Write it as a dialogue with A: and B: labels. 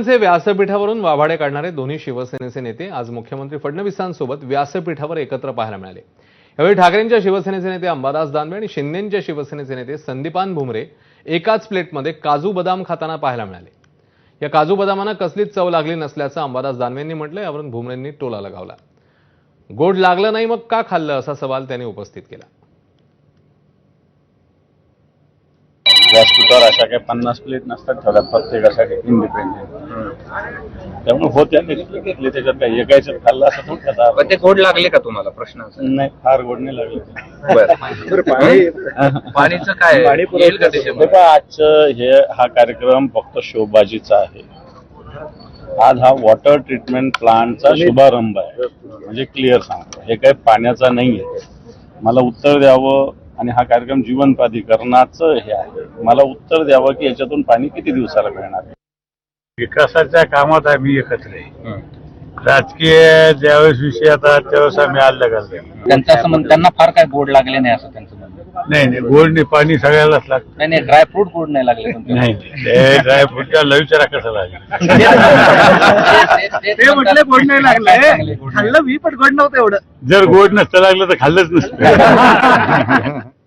A: शिवसेनेचे व्यासपीठावरून वाभाडे काढणारे दोन्ही शिवसेनेचे नेते आज मुख्यमंत्री फडणवीसांसोबत व्यासपीठावर एकत्र पाहायला मिळाले। यावेळी ठाकरेंच्या शिवसेनेचे नेते अंबादास दानवे आणि शिंदेंच्या शिवसेनेचे नेते संदीपान भुमरे एकाच प्लेटमध्ये काजू बदाम खाताना पाहायला मिळाले। या काजू बदामांना कसलीच चव लागली नसल्याचं अंबादास दानवेंनी म्हटलं। यावरून भुमरेंनी टोला लगावला। गोड लागलं नाही मग का खाल्लं असा सवाल त्यांनी उपस्थित केला।
B: व्यासपीठावर अशा काही 50 प्लेट नसतात ठरत प्रत्येकासाठी इंडिपेंडेंट, त्यामुळे होत्या घेतले त्याच्यात काही एकायचं खाल्लं असं थोडं खाता।
C: पण ते गोड लागले का तुम्हाला? प्रश्न
B: नाही, फार गोड नाही लागले।
C: पाणीचं काय येईल का त्याच्यामध्ये?
B: आजचं हा कार्यक्रम फक्त शोबाजीचा आहे। आज हा वॉटर ट्रीटमेंट प्लांटचा शुभारंभ आहे, म्हणजे क्लिअर सांगतो, हे काही पाण्याचा नाहीये। मला उत्तर द्यावं आणि हा कार्यक्रम जीवन प्राधिकरणाचं हे आहे, मला उत्तर द्यावं की याच्यातून पाणी किती दिवसाला मिळणार आहे।
D: विकासाच्या कामात आम्ही एकत्र आहे। राजकीय ज्यावेळेस विषय येतात त्यावेळेस आम्ही अलग घालतो।
C: त्यांचं असं म्हणणं, त्यांना फार काय गोड लागले नाही असं त्यांचं म्हणणं।
D: नाही, गोड नाही, पाणी सगळ्यालाच लागतं।
C: नाही, ड्रायफ्रूट गोड नाही लागले तुमच्या?
D: नाही, ड्रायफ्रूटच्या विचारा कसं लागेल।
E: ते म्हटले गोड नाही लागलं, खाल्लं मी पण गोड नव्हतं एवढं।
D: जर गोड नसतं लागलं तर खाल्लंच नसतं।